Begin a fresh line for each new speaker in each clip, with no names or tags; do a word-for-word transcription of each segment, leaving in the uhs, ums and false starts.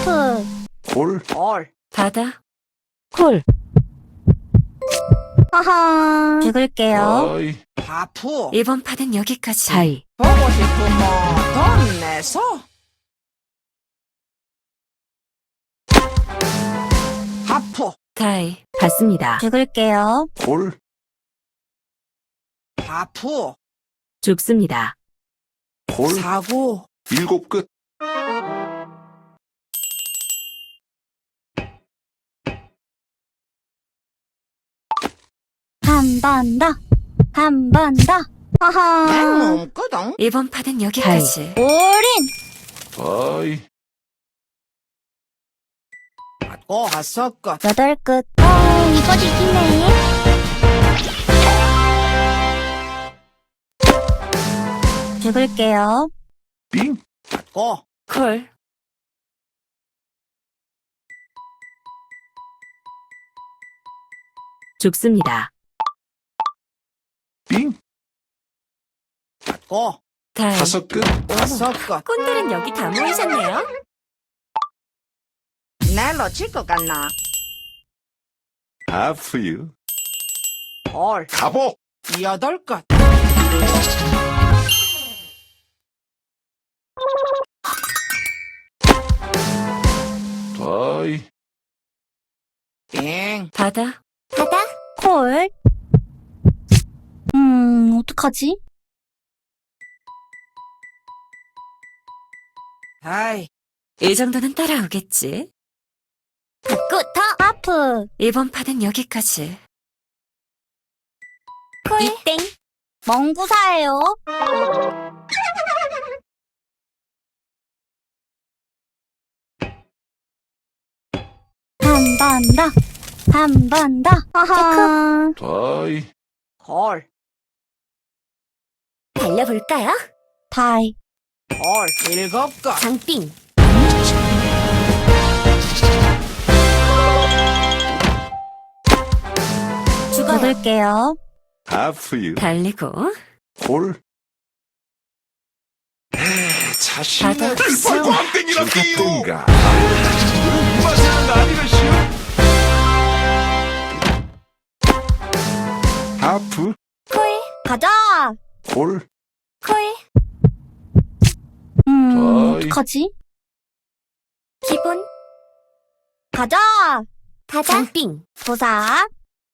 하프.
콜.
콜.
바다.
콜. 하하. 죽을게요.
다이.
하프.
이번 판은 여기까지.
다이.
보고 싶으면 돈 내서. 하프.
다이.
받습니다. 죽을게요.
콜.
하프.
죽습니다.
콜.
사구.
일곱 끝.
한 번 더. 한 번 더. 하하.
맹 없거든.
이번 판은 여기까지.
올인.
다이.
받고 다섯 것.
여덟 끝. 어, 이거 이기네. 죽을게요.
빙.
받고.
콜.
죽습니다.
빙.
받고.
다이.
다섯 끝.
다섯 것.
꾼들은 여기 다 모이셨네요.
낼로 칠 것 같나?
하프유.
콜.
가보.
여덟 것.
다이.
빙.
바다.
바다. 콜. 음, 어떡하지?
다이.
이 정도는 따라오겠지.
받고 더. 하프.
이번 판은 여기까지.
콜. 이땡. 멍구사예요. 한 번 더. 한 번 더. 하하.
다이.
콜.
달려볼까요?
다이.
콜. 일곱 것.
장빙.
죽을게요.
하프유.
달리고.
콜. 자신을
바다.
광땡이라 뛰든가. 이 맛은 아니라시오. 하프.
콜. 가자.
콜.
콜. 음,
다이.
어떡하지?
기본.
가자. 가자.
장빙.
도사.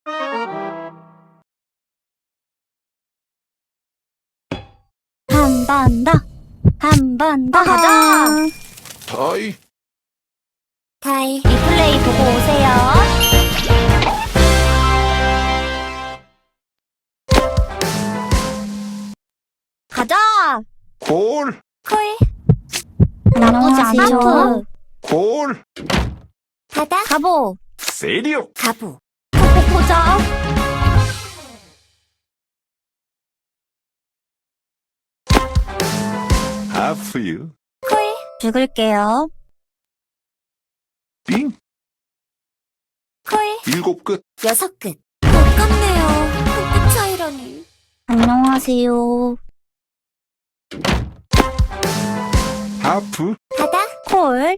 한 번 더. 한 번 더. 가자.
다이.
다이. 리플레이 보고 오세요. 가자.
콜.
콜. 나쁘지 않죠.
콜.
바다. 가보.
세리오.
가보.
보고 보자.
하프유.
콜. 죽을게요.
빙.
콜.
일곱 끝.
여섯 끝. 아깝네요. 한 끝 차이라니.
안녕하세요.
하프.
바다. 콜.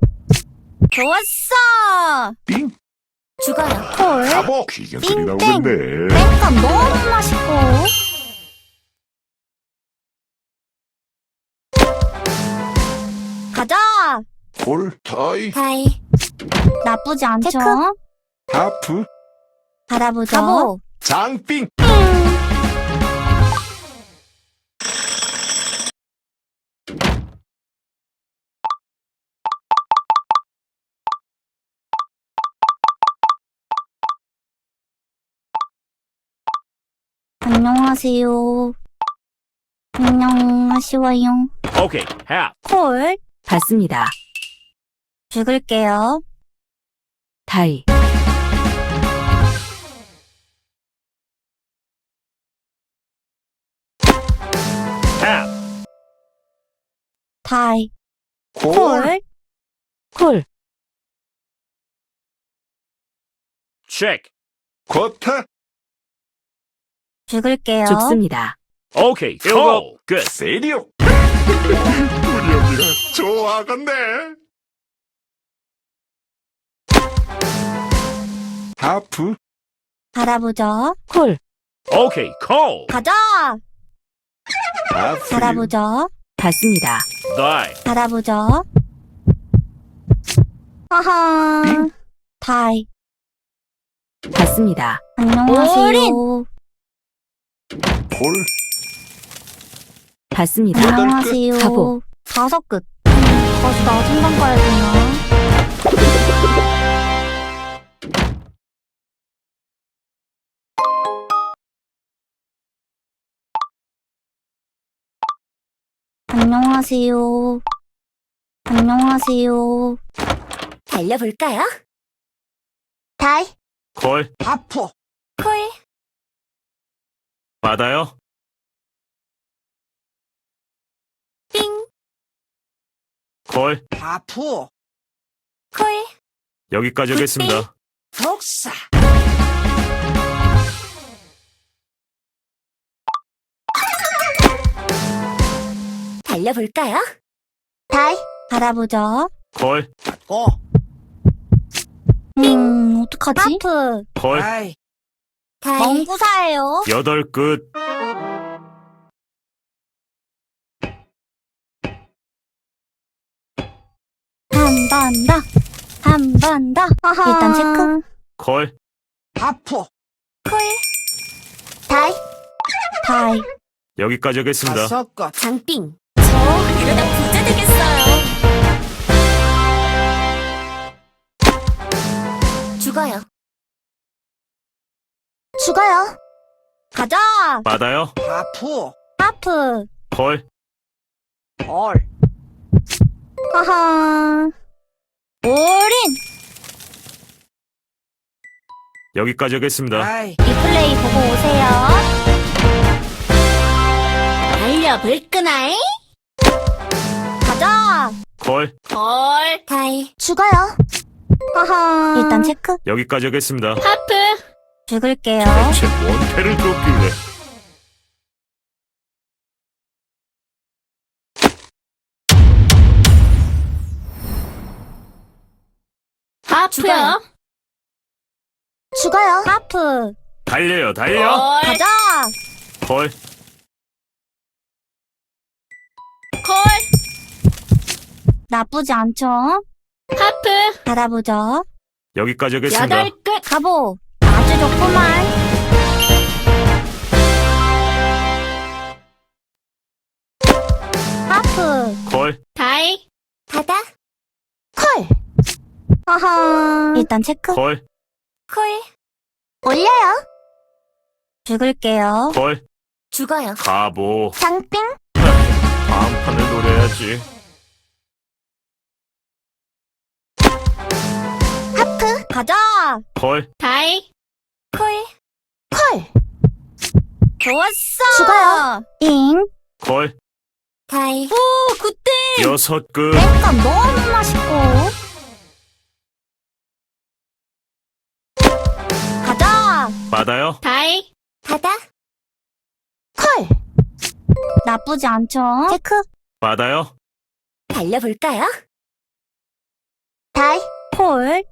좋았어.
빙.
죽어요.
콜.
가보. 귀견 소리
빙,
나오겠네.
땡감 너무 맛있고. 가자.
콜. 다이.
다이.
나쁘지 않죠?
하프.
받아보죠. 가보.
장빙.
안녕하세요. 안녕하시와요.
Okay, half.
콜. 받습니다. 죽을게요. 다이.
Half.
다이.
콜.
콜. 콜.
Check.
쿼터.
죽을게요. 죽습니다.
Okay, call. Good.
세리오. 우리 언니가 좋아하겠네. 하프,
바라보죠.
콜.
Okay, call.
가자.
하프,
바라보죠.
받습니다.
Die.
바라보죠. 하하. 다이.
받습니다.
안녕하세요.
콜,
받습니다.
여덟
안녕하세요.
가보.
다섯 끝. 음, 다시 나 생각 가야 되나? 안녕하세요. 안녕하세요.
달려볼까요? 다이.
콜.
하프.
콜.
받아요.
삥.
콜.
하프.
콜.
여기까지 하겠습니다.
독사.
달려볼까요? 다이.
바라보죠.
콜.
고.
음, 어떡하지? 하프.
콜.
아이.
다이.
멍구사예요.
여덟 끝.
한 번 더. 한 번 더. 일단 체크.
콜.
하프.
콜. 다이.
다이.
여기까지 하겠습니다.
다섯 것.
장빙. 저 이러다 부자 되겠어요. 죽어요. 죽어요.
가자.
받아요.
하프.
하프.
콜.
콜.
하하. 올인.
여기까지 하겠습니다.
아이.
리플레이 보고 오세요.
달려볼까나이?
가자.
콜.
콜. 다이. 죽어요.
하하. 일단 체크.
여기까지 하겠습니다.
하프.
죽을게요.
대체 뭔 패를 줬길래.
하프요. 죽어요.
하프.
달려요, 달려.
가자.
콜.
콜.
나쁘지 않죠?
하프.
바라보죠.
여기까지 하겠습니다.
끝.
가보. 아주 좋구만. 하프.
콜.
다이. 바다. 콜.
하하. 일단 체크.
콜.
콜. 올려요.
죽을게요.
콜.
죽어요.
가보.
장빙.
다음 판을 노려야지.
하프.
가자.
콜.
다이. 콜. 콜.
좋았어.
죽어요.
잉.
콜.
다이.
오, 그때.
여섯 끝.
땡감 너무 맛있고. 가자.
받아요.
다이. 바다. 콜.
나쁘지 않죠? 체크.
받아요.
달려볼까요? 다이.
콜.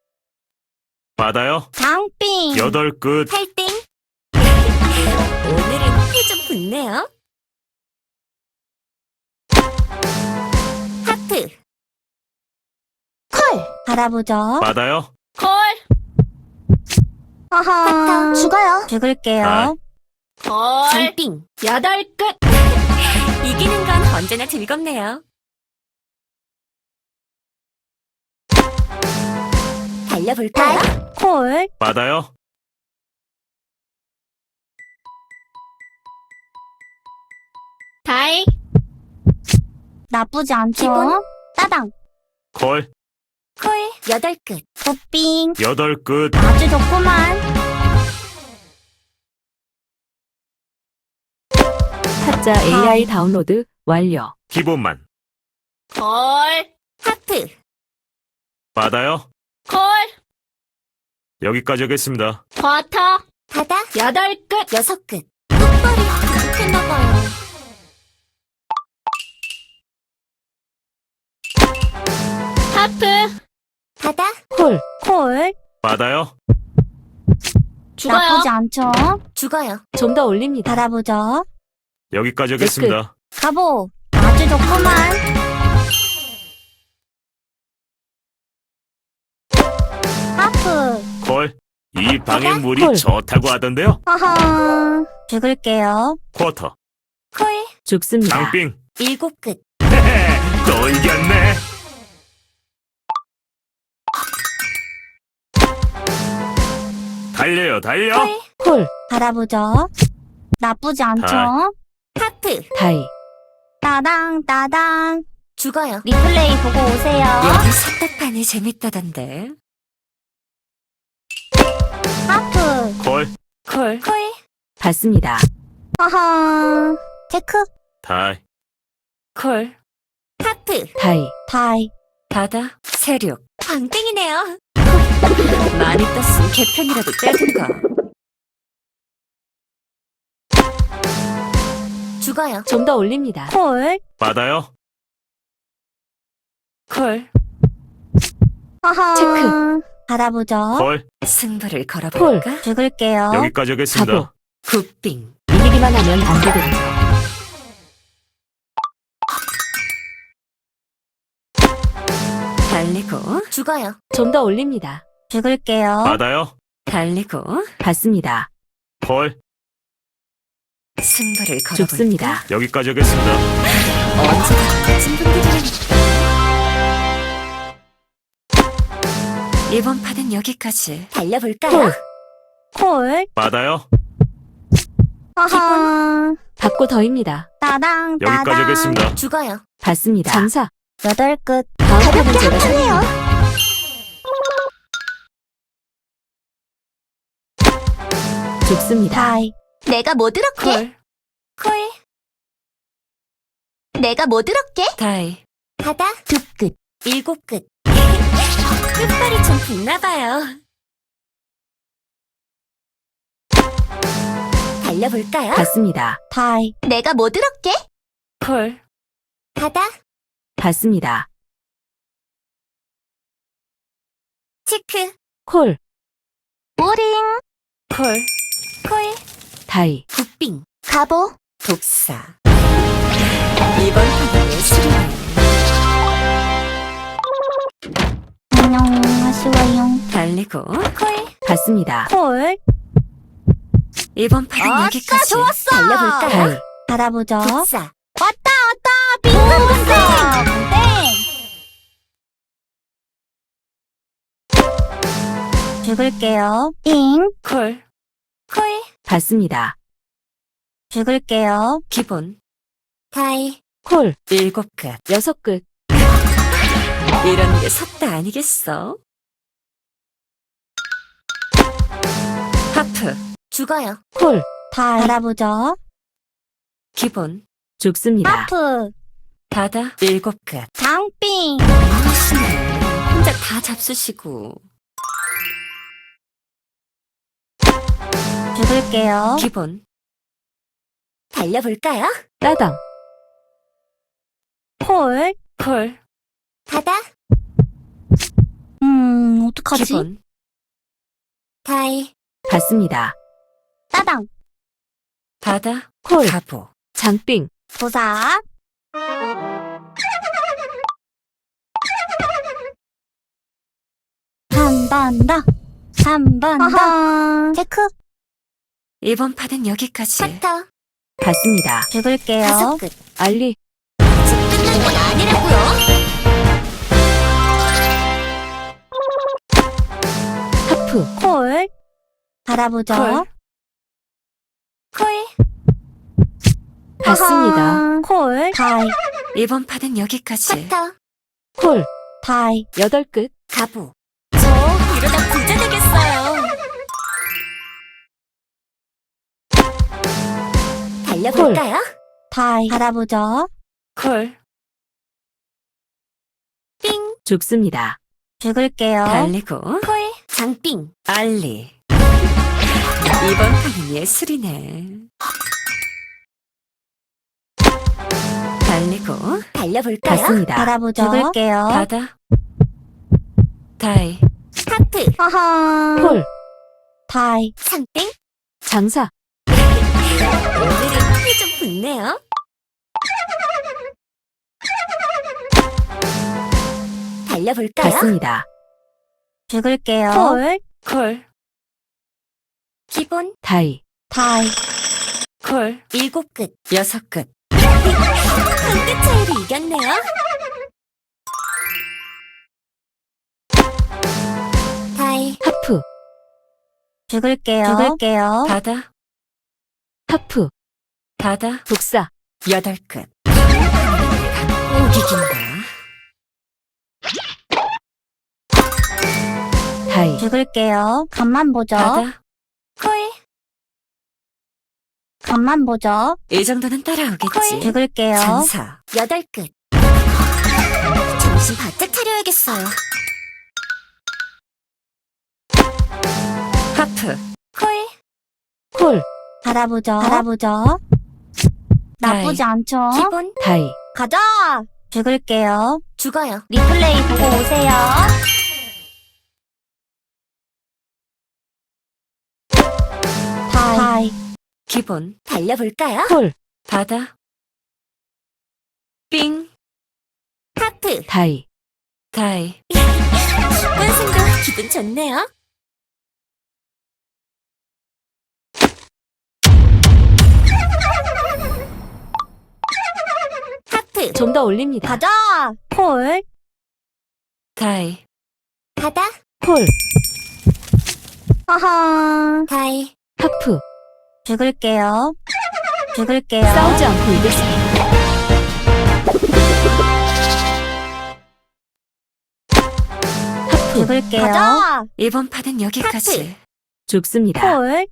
받아요.
장빙.
여덟 끝.
팔땡. 오늘은 피 좀 붙네요. 하프. 콜.
바라보죠.
받아요.
콜.
하하.
죽어요.
죽을게요.
아.
콜. 장빙. 여덟 끝. 이기는 건 언제나 즐겁네요. 달려볼까요?
콜.
받아요.
다이.
나쁘지 않죠?
기본.
따당.
콜.
콜. 여덟 끝.
굿빙.
여덟 끝.
아주 좋구만.
타짜 에이아이 다운로드 완료.
기본만.
콜. 하프.
받아요.
콜.
여기까지 하겠습니다.
버터. 바다. 여덟 끝. 여섯 끝. 끝발이 부족했나봐요. 하프. 바다.
콜.
콜.
받아요.
나쁘지 않죠?
죽어요.
좀 더 올립니다.
받아보죠.
여기까지 하겠습니다.
가보. 아주 좋구만. 하프.
콜. 이 방의
바다?
물이
콜.
좋다고 하던데요.
허허. 죽을게요.
쿼터.
콜.
죽습니다.
장빙.
일곱 끝.
또 이겼네. 달려요, 달려.
콜.
콜.
받아보죠. 나쁘지 않죠?
다.
하프.
다이.
따당, 따당.
죽어요.
리플레이 보고 오세요.
여기 석탑판이 재밌다던데.
하프.
콜.
콜.
콜.
받습니다.
허허. 체크.
다이.
콜.
하프.
다이.
다이.
바다. 세륙.
광땡이네요.
많이 떴으면 개편이라도 떼든가.
죽어요.
좀 더 올립니다.
콜.
받아요.
콜.
허허.
체크.
받아보죠.
콜.
승부를 걸어볼까?
죽을게요.
여기까지 하겠습니다.
가보. 굿빙. 이기기만 하면 안 되겠죠. 달리고.
죽어요.
좀 더 올립니다.
죽을게요.
받아요.
달리고. 받습니다.
콜.
승부를 걸어볼까? 죽습니다.
여기까지 하겠습니다.
언제나 같은 분들이라니까.
이번 판은 여기까지.
달려볼까요?
콜.
받아요.
허허.
받고 더입니다.
따당,
여기까지
따당.
하겠습니다.
죽어요.
받습니다. 전사.
여덟 끝.
다음 판은 제가 승리요. 죽습니다.
다이.
내가 뭐 들었게?
콜.
콜. 내가 뭐 들었게?
다이.
바다. 두 끝. 일곱 끝. 끝발이 좀 붙나봐요. 달려볼까요?
받습니다.
다이.
내가 뭐 들었게?
콜.
바다.
받습니다.
체크.
콜.
우링.
콜.
콜.
다이.
굿빙. 가보.
독사. 이번 판은 예술이네.
안녕하시와요.
달리고.
콜.
받습니다.
콜.
이번 판은
아싸,
여기까지.
좋았어. 달려볼까요?
다이.
받아보죠.
독사.
왔다, 왔다. 빙글빙글. 땡. 죽을게요. 잉.
콜.
콜.
받습니다.
죽을게요.
기본.
다이.
콜. 일곱 끝. 여섯 끝. 이런 게 섰다 아니겠어? 하프.
죽어요.
콜.
다이. 받아보죠.
기본. 죽습니다.
하프.
바다. 일곱 끝.
장빙.
하시네. 혼자 다 잡수시고.
죽을게요.
기본.
달려볼까요?
따당.
콜.
콜.
바다.
음, 어떡하지?
기본.
다이.
받습니다.
따당.
바다. 콜. 가보. 장빙.
도사. 한 번 더. 한 번 더. 체크.
이번 판은 여기까지.
커터.
받습니다.
죽을게요.
다섯 끝.
알리.
아직 끝난 건 아니라고요.
하프.
콜. 받아보죠.
콜.
콜.
받습니다.
하하. 콜. 다이.
이번 판은 여기까지.
커터.
콜.
다이.
여덟 끝.
가보. 저 이러다 부자 되겠어요. 달려볼까요?
다이. 받아보죠.
콜.
삥.
죽습니다.
죽을게요.
달리고.
콜. 장빙.
알리. 이번 판은 예술이네. 달리고.
달려볼까요?
받습니다.
받아보죠. 죽을게요.
바다. 다이.
하프.
하하.
콜.
다이.
상땡?
장사.
오늘은 힘이 좀 붙네요. 달려볼까요?
받습니다.
죽을게요.
콜. 콜.
기본
다이.
다이.
콜.
일곱 끝.
여섯 끝.
한 끗 차이로 이겼네요. 다이
하프.
죽을게요. 죽을게요.
바다. 하프. 바다. 독사. 여덟 끝.
꼭 이긴다.
다이.
죽을게요. 간만 보죠.
바다.
콜
간만 보죠.
이 정도는 따라오겠지.
죽을게요.
장사.
여덟 끝. 정신 바짝 차려야겠어요.
하프.
콜
콜.
바라보죠. 바라보죠. 나쁘지 않죠?
기본
다이.
가자! 죽을게요.
죽어요.
리플레이 보고 오세요. 다이. 다이.
기본.
달려볼까요?
콜. 바다. 삥.
하프
다이. 다이.
완승도 기분 좋네요. 하프
좀 더 올립니다.
가자! 콜.
다이.
바다
콜.
하하.
다이
하프.
죽을게요. 죽을게요.
싸우지 않고 이겼습니다. 하프.
죽을게요.
가자! 이번 판은 여기까지. 죽습니다.
콜.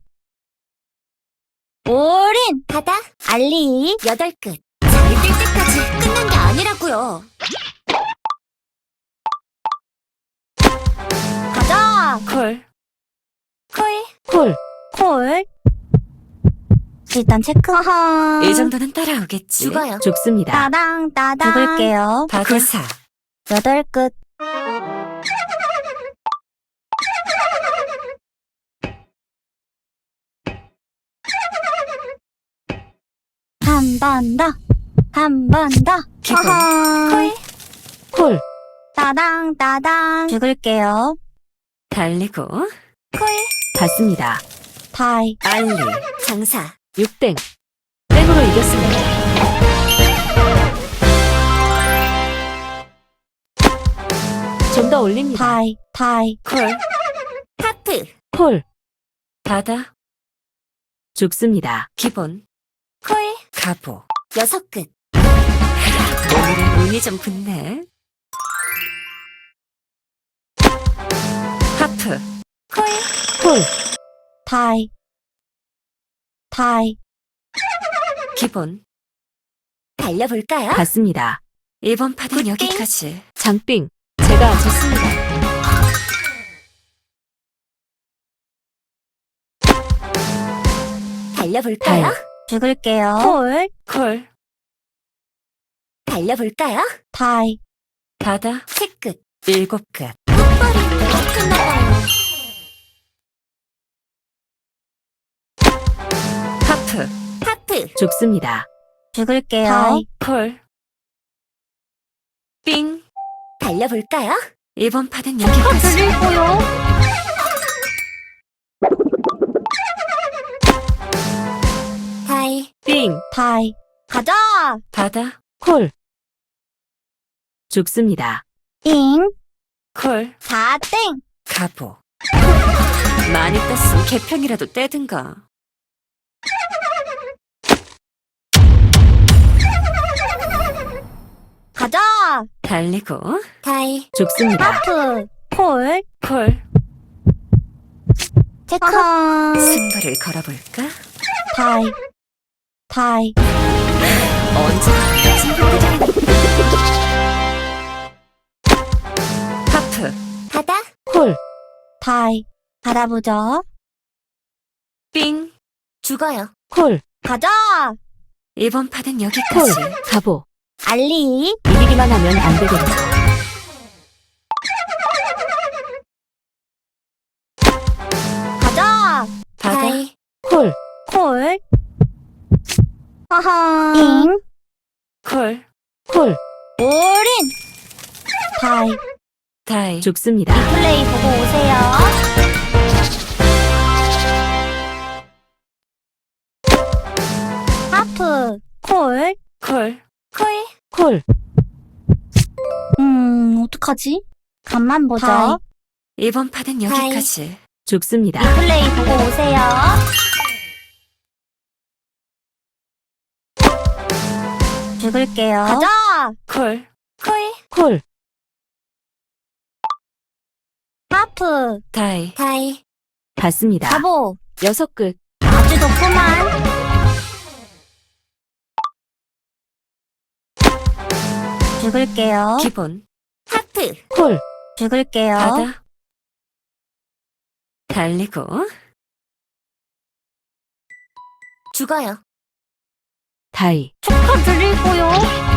올인.
바다
알리.
여덟 끝. 잠이 들 때까지 끝난 게 아니라고요.
가자!
콜.
콜
콜.
콜. 일단 체크. 하하.
이 정도는 따라오겠지.
죽어요.
죽습니다.
따당, 따당. 죽을게요.
바다사.
여덟 끝. 한 번 더. 한 번 더.
기본.
하하.
콜
콜.
따당, 따당. 죽을게요.
달리고.
콜
받습니다.
다이.
알리.
장사
육땡. 땡으로 이겼습니다. 좀 더 올립니다.
다이. 다이.
콜.
하프
콜. 바다. 죽습니다. 기본.
콜
가보.
여섯 끝.
오늘은 운이 좀 붙네. 하프.
콜
콜.
다이. 다이.
기본.
달려볼까요?
받습니다. 이번 판은
굿땡.
여기까지. 장빙. 제가 좋습니다.
달려볼까요?
다이.
죽을게요. 콜.
콜.
달려볼까요?
다이.
바다.
세 끝.
일곱 끝.
흑발이 끝나봐요.
하프.
하프
죽습니다.
죽을게요.
다이. 콜. 삥.
달려볼까요?
이번 판은 여기까지.
들리고요.
다이
삥.
다이. 가자!
바다. 콜. 죽습니다.
잉.
콜.
사 땡.
가보. 많이 떴으면 개편이라도 떼든가.
가자!
달리고.
다이
죽습니다.
하프. 콜.
콜.
체크. 하하.
승부를 걸어볼까?
다이. 다이.
언제 승부들이 하프.
바다
콜.
다이. 바라보죠.
삥.
죽어요.
콜.
가자!
이번 판은 여기까지. 가보.
알리.
이기기만 하면 안 되겠죠.
가자! 하하. 빙.
콜. 콜.
올인. 다이.
다이. 좋습니다.
플레이 보고 오세요. 하프. 콜.
콜.
콜.
콜.
음, 어떡하지? 간만 보자.
다이. 이번 판은 여기까지. 좋습니다.
플레이 보고 오세요. 죽을게요. 가자!
콜.
콜.
콜.
하프.
다이.
다이.
받습니다.
가보.
여섯 끝.
아주 좋구만. 죽을게요.
기본.
하프.
콜.
죽을게요.
바다. 달리고.
죽어요.
다이.
축하드리고요.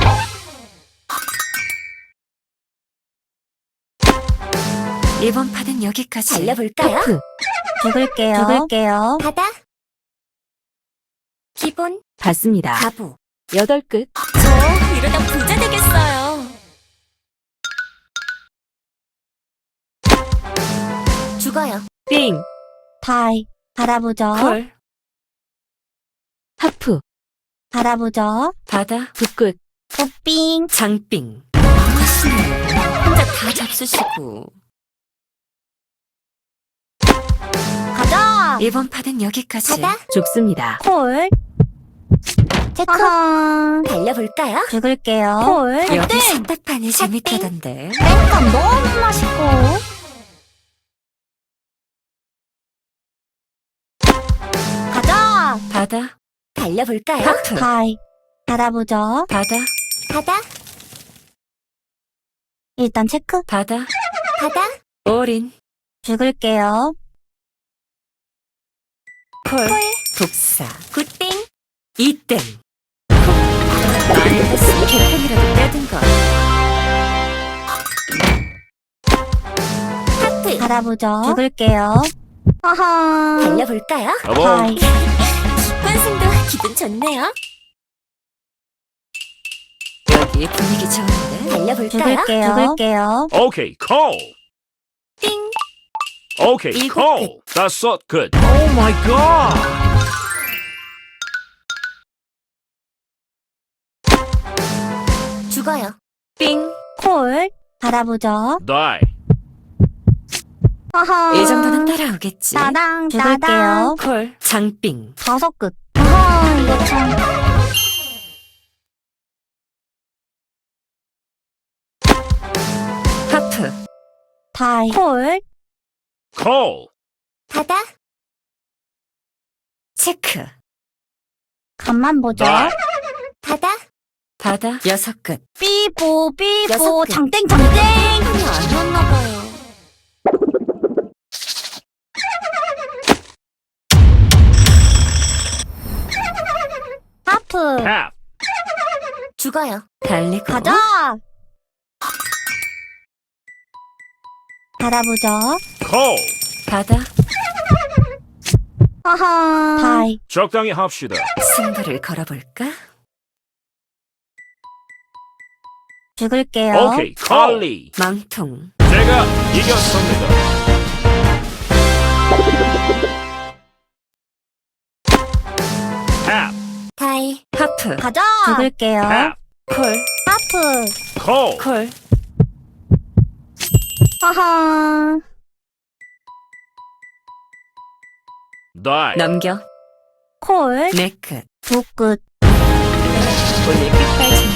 이번 판은 여기까지.
달려볼까요?
하프.
죽을게요. 죽을게요. 바다.
기본
받습니다.
가보.
여덟 끝.
저 이러다 부자 되겠어요.
죽어요.
빙.
다이. 바라보죠.
콜. 하프.
바라보죠.
바다. 두 끝.
꽃빙.
장빙.
하시네. 혼자 다 잡수시고.
가자.
이번 판은 여기까지.
바다.
좋습니다.
콜. 체크.
달려볼까요?
죽을게요. 콜.
여기
땡.
선택판이 재밌다던데.
땡감 너무 맛있고. 가자.
바다.
달려볼까요?
하프.
다이. 바라보죠.
바다.
바다. 일단 체크.
바다.
바다.
올인.
죽을게요.
콜. 독사.
굿땡.
이땡. 많이 했으니 개편이라도 빼든가.
하프.
바라보죠. 죽을게요. 하하.
달려볼까요?
가보.
다이.
관승도 기분 좋네요.
여기 분위기 좋은데.
달려볼까요?
죽을게요. 죽을게요.
오케이, 콜.
띵.
오케이,
일곱
콜. 다섯 끝. 오 마이 갓.
죽어요.
빙.
콜. 바라보죠.
다이.
하하.
이 정도는 따라오겠지.
따당. 죽을게요.
콜. 장빙.
다섯 끝. 하하. 이거 참.
하프.
다이. 콜.
콜.
바다.
체크.
간만 보죠.
다이.
바다.
바다. 여섯 끝.
삐뽀 삐뽀
여섯 개.
장땡 장땡.
판이 아니었나봐요.
하프.
탑.
죽어요.
달리고.
가자. 바라보죠.
콜.
바다.
하하. 다이.
적당히 합시다.
승부를 걸어볼까?
죽을게요.
오케이, 콜리.
망통.
제가 이겼습니다. 탑.
다이.
하프.
가자. 죽을게요.
탑.
콜.
하프.
콜.
콜.
하하.
다이.
넘겨.
콜.
네 끝.
두 끝.
오늘 끝까지.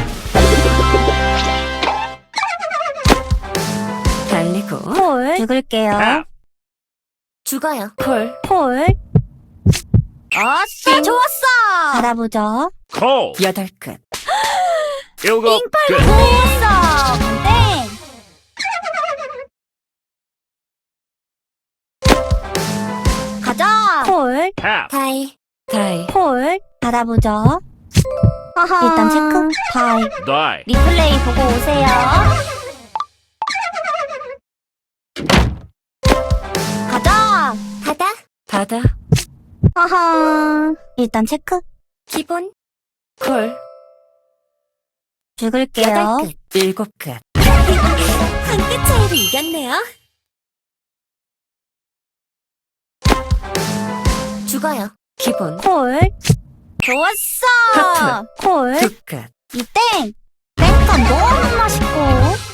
달리고.
콜. 죽을게요.
탑.
죽어요.
콜.
콜. 아싸, 좋았어. 바라보죠.
콜.
여덟 끝.
일곱 끝.
좋았어. 땡. 가자. 콜.
탑.
다이.
다이.
콜. 바라보죠. 하하. 일단 체크. 다이.
다이.
리플레이 보고 오세요. 가자. 바다.
바다.
하하. 일단 체크.
기본
콜.
죽을게요.
여덟 끝.
일곱 끝.
한 끗 차이로 이겼네요. 죽어요.
기본.
콜. 좋았어.
하트.
콜.
두 끝.
이땡. 땡간 너무 맛있고.